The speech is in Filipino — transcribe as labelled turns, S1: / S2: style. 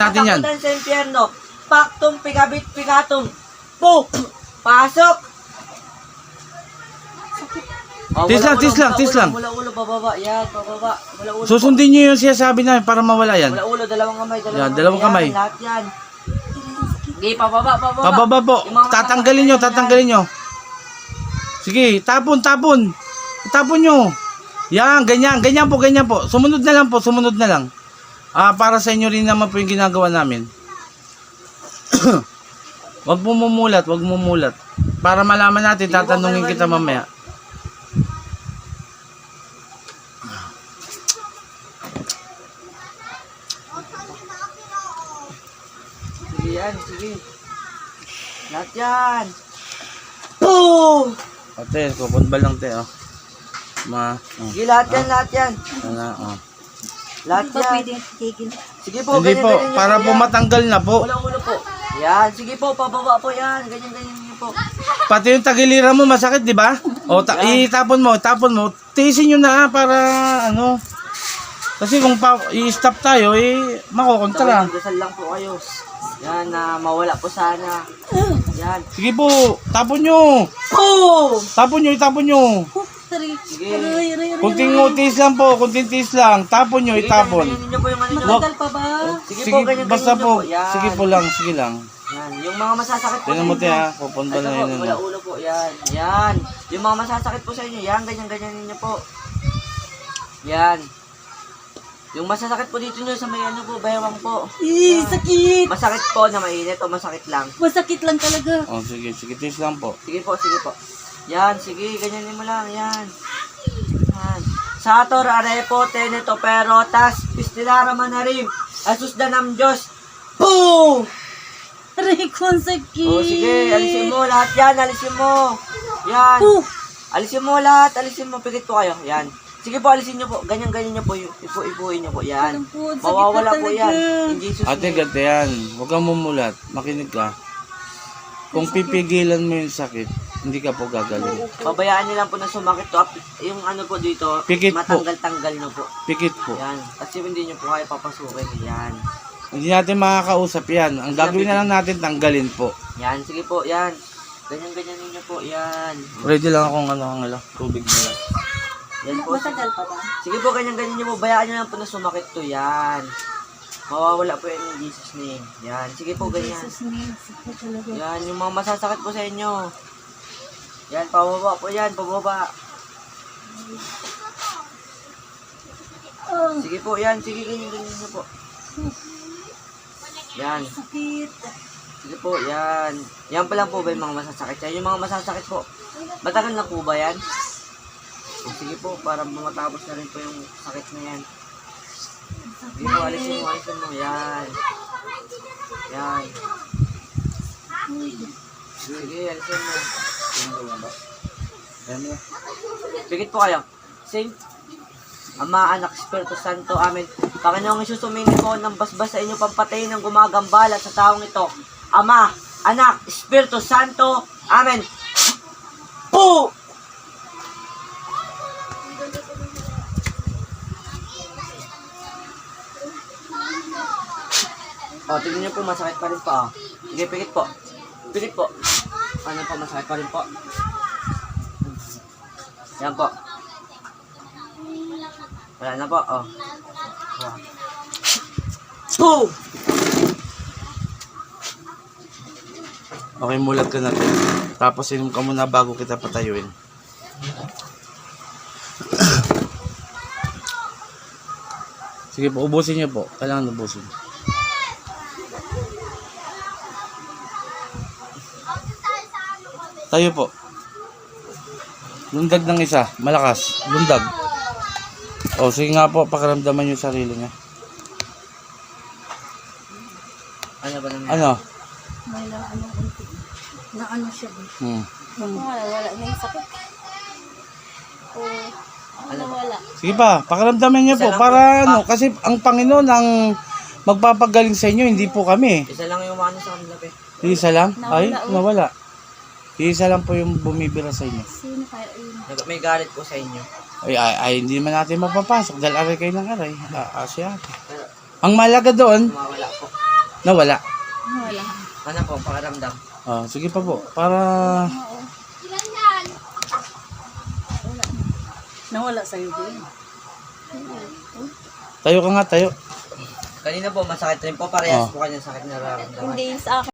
S1: natin yan.
S2: Takutan sa impyerno. Paktum, pigabit, pigatum. Po! Pasok! Oh,
S1: Tis lang.
S2: Mula ulo, bababa. Yan, bababa. Mula ulo.
S1: Susundin nyo yung sinasabi namin para mawala yan.
S2: Mula ulo, dalawang kamay.
S1: Yan, dalawang kamay.
S2: Yan, lahat yan. Sige, pababa.
S1: Pababa po. Tatanggalin nyo. Sige, tapon. Tapon nyo. Yan, ganyan po. Sumunod na lang. Para sa inyo rin naman po yung ginagawa namin. Wag mumulat. Para malaman natin, tatanungin kita mamaya.
S2: Sige. Lahat yan. Boom!
S1: Ate, kupon ba lang te, oh.
S2: Sige, lahat yan.
S1: Oh.
S2: Lahat
S3: Hindi ba
S2: yan.
S3: pwede tigil?
S2: Sige po,
S1: Hindi po,
S2: ganyan
S1: para po
S2: yan.
S1: matanggal na po.
S2: Walang ulo po. Yan, sige po, pababa po yan. Ganyan niyo po.
S1: Pati yung tagiliran mo masakit, di ba? O, itapon mo. Tiisin nyo na para, ano. Kasi kung i-stop tayo, makukontra.
S2: Dasal lang po kayo. Yan, na mawala po sana. Yan.
S1: Sige po, tapon nyo.
S2: Oh!
S1: Itapon nyo.
S2: Sige.
S1: Kunting tiis lang. Tapon nyo, itapon.
S2: Ganyan niyo po yung ano nyo.
S3: Matagal pa ba?
S2: Sige
S1: Sige,
S2: po, ganyan
S1: basta
S2: niyo
S1: po.
S2: Yan.
S1: Sige lang.
S2: Yan, yung mga masasakit po
S1: Tignan mo te ha, pupunta
S2: Ito
S1: na
S2: po,
S1: yun.
S2: mula ulo po, yan. Yung mga masasakit po sa inyo, yan, ganyan ninyo po. Yan. Yung masasakit po dito nyo sa may ano po, baywang po. Yan.
S3: Sakit!
S2: Masakit po na mainit o masakit lang.
S3: Masakit lang talaga.
S1: O sige, tiis lang po.
S2: Sige po. Yan, sige, ganyanin mo lang, yan. Sator, arepo, teneto, perotas, pistilara manarim, asus danam Diyos. Boom!
S3: Aray ko, ang sakit.
S2: O sige, alisin mo lahat yan, alisin mo. Yan. Alisin mo lahat, pikit po kayo, yan. Sige po, alisin nyo po, ganyan nyo po, ipuin nyo po, yan. Mawawala po yan. In Jesus
S1: Ate,
S2: name.
S1: ganda yan. Huwag kang mumulat. Makinig ka. Kung pipigilan mo yung sakit, hindi ka po gagaling.
S2: Pabayaan nyo lang po na sumakit to. Yung ano po dito,
S1: Pikit po.
S2: matanggal-tanggal nyo po.
S1: Pikit po.
S2: Yan. Kasi hindi nyo po kaya papasukin. Yan.
S1: Hindi natin makakausap yan. Ang gagawin na lang natin, tanggalin po.
S2: Yan. Sige po. Yan. Ganyan ninyo po. Yan.
S1: Ready lang akong tubig na lang.
S2: Yan po.
S3: Matagal pa ba?
S2: Sige po. Ganyan nyo po. Bayaan nyo lang po na sumakit to. Yan. Mawawala po yan in Jesus name. Yan. Sige po. Ganyan.
S3: Jesus name. Sakit talaga.
S2: Yan. Yung mga masasakit po sa inyo. Yan. Pababa po yan. Pababa. Sige po. Yan. Sige. Ganyan nyo po. Yan.
S3: Sakit.
S2: Sige po, yan. Yan pa lang po ba yung mga masasakit yan? Yung mga masasakit po, matagal na po ba yan? O, sige po, para matapos na rin po yung sakit na yan. Sige po, alisin mo, yan. Yan. Sige, alisin mo. Pikit po kayo. Saint, Ama, Anak, Espiritu Santo, Amen. Panginoong Isus, humingi po ng basbas sa inyo pampatayin ng gumagambala sa taong ito. Ama, Anak, Espiritu Santo, Amen. Po! O, tignan niyo po, masakit pa rin po. Sige, pikit po. Pikit po. Ano po, masakit pa rin po. Yan po. Wala na po, oh. Boom!
S1: Okay, mulat ka natin. Tapos inom ka muna bago kita patayuin. Sige po, ubusin niyo po. Kailangan ubusin. Tayo po. Lundag ng isa. Malakas. Lundag. O, sige nga po. Pakiramdaman yung sarili niya.
S2: Ano ba naman?
S1: Ano?
S3: May na ano siya ba? Wala na yung sakit. Wala.
S1: Sige pa, pakiramdaman niyo po. Para ano, kasi ang Panginoon ang magpapagaling sa inyo, hindi po kami.
S2: Isa lang yung ano sa kanila, pe.
S1: Isa lang? Ay,
S3: Nawala,
S1: nawala. Isa lang po yung bumibira sa inyo.
S3: Sino kaya yun?
S2: May galit po sa inyo.
S1: Ay, hindi man natin mapapasok dahil aray kayo ng aray. Siya. Ang malaga doon,
S2: Mawawala po.
S1: Nawala.
S3: Wala.
S2: Ano po, pakiramdam?
S1: Ah, sige pa po. Para...
S3: Nawala sa'yo din.
S1: Tayo ka nga, tayo.
S2: Kanina po, masakit rin po. Parehas po kanya sakit na nararamdaman.
S3: Hindi sa akin.